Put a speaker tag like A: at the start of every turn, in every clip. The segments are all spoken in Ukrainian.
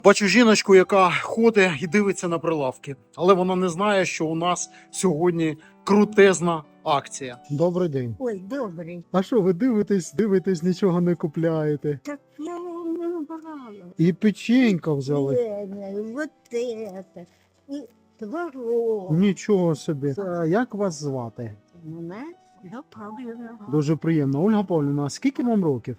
A: Бачу жіночку, яка ходить і дивиться на прилавки, але вона не знає, що у нас сьогодні крутезна акція. Добрий день.
B: Ой, добрий.
A: А що, ви дивитесь, нічого не купляєте?
B: Так я вам не брала.
A: І печенька взяли.
B: Вот это. І творог.
A: Нічого собі. Як вас звати?
B: Мене я Павлівна.
A: Дуже приємно. Ольга Павлівна, а скільки вам років?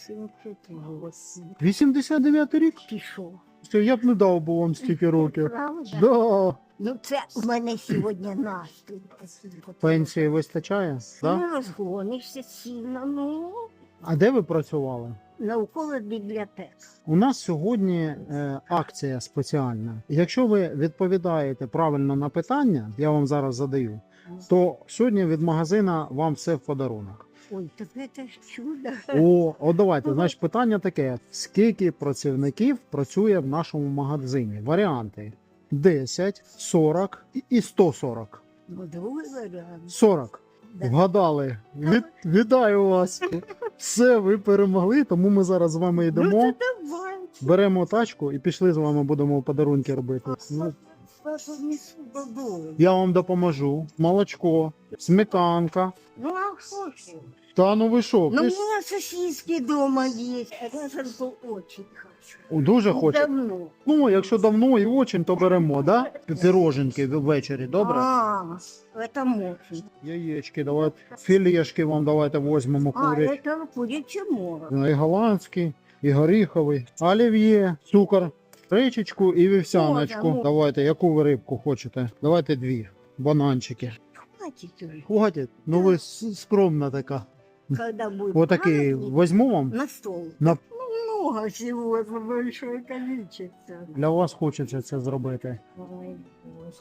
B: 88.
A: 89 рік?
B: Пішов.
A: Що я б не дав би вам стільки років.
B: Правда?
A: Да.
B: Ну це в мене сьогодні настрій.
A: Пенсії вистачає? Да?
B: Не розгонишся сильно, ну,
A: А де ви працювали?
B: навколо бібліотек.
A: У нас сьогодні акція спеціальна. Якщо ви відповідаєте правильно на питання, я вам зараз задаю, то сьогодні від магазина вам все в подарунок.
B: Ой, так це ж чудо.
A: От давайте, значить, питання таке: скільки працівників працює в нашому магазині? Варіанти: 10, 40 і 140.
B: Ну, другий варіант.
A: 40.
B: Да.
A: Вгадали. Вітаю вас. Все, ви перемогли, тому ми зараз з вами йдемо.
B: Ну, то давай.
A: Беремо тачку і пішли з вами будемо подарунки робити. Ну,
B: Папа несу додому.
A: я вам допоможу. Молочко, сметанка.
B: Ну, а хочу.
A: Та ну ви що?
B: Ну, у
A: Ви ж
B: меня сосиски дома есть. Я же очень хочу.
A: дуже
B: Ну,
A: хочете?
B: давно.
A: Ну, якщо давно і очень, то беремо, да? Піроженки ввечері, добре?
B: А, это можно.
A: Яєчки, давайте. Філешки вам давайте візьмемо
B: А,
A: курять.
B: это курячий морог.
A: І голландський, і горіховий, олів'є, цукор, речечку і вівсяночку.
B: Можна.
A: Давайте, яку ви рибку хочете? Давайте дві. Бананчики.
B: Хватит уже.
A: Хватить? Ну ви скромна така.
B: Когда будет
A: Отакий
B: праздник,
A: візьму вам.
B: на стол.
A: На...
B: Ну, много всего, это большое количество.
A: Для вас хочеться це зробити.
B: Ой, Боже.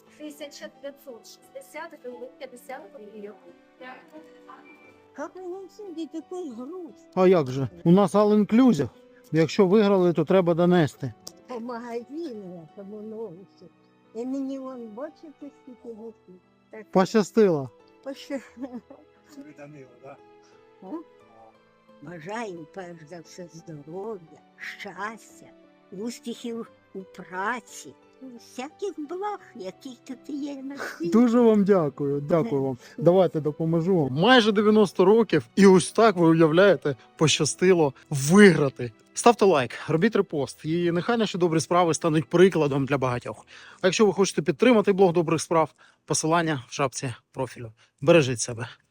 C: 1560 гривень 50 гривень.
B: Как он сидит такой груз?
A: А як же? У нас all inclusive. Якщо виграли, то треба донести.
B: По магазину, тому новості. І мені вон бачите, скільки гусів. Так,
A: Пощастило.
B: пощо... А? Бажаю перш за все здоров'я, щастя, успіхів у праці, всяких благ, яких тут є на світі.
A: Дуже вам дякую. Дякую вам. Давайте допоможу вам. Майже 90 років, і ось так ви уявляєте, пощастило виграти. Ставте лайк, робіть репост, і нехай наші добрі справи стануть прикладом для багатьох. А якщо ви хочете підтримати блог добрих справ, посилання в шапці профілю. Бережіть себе.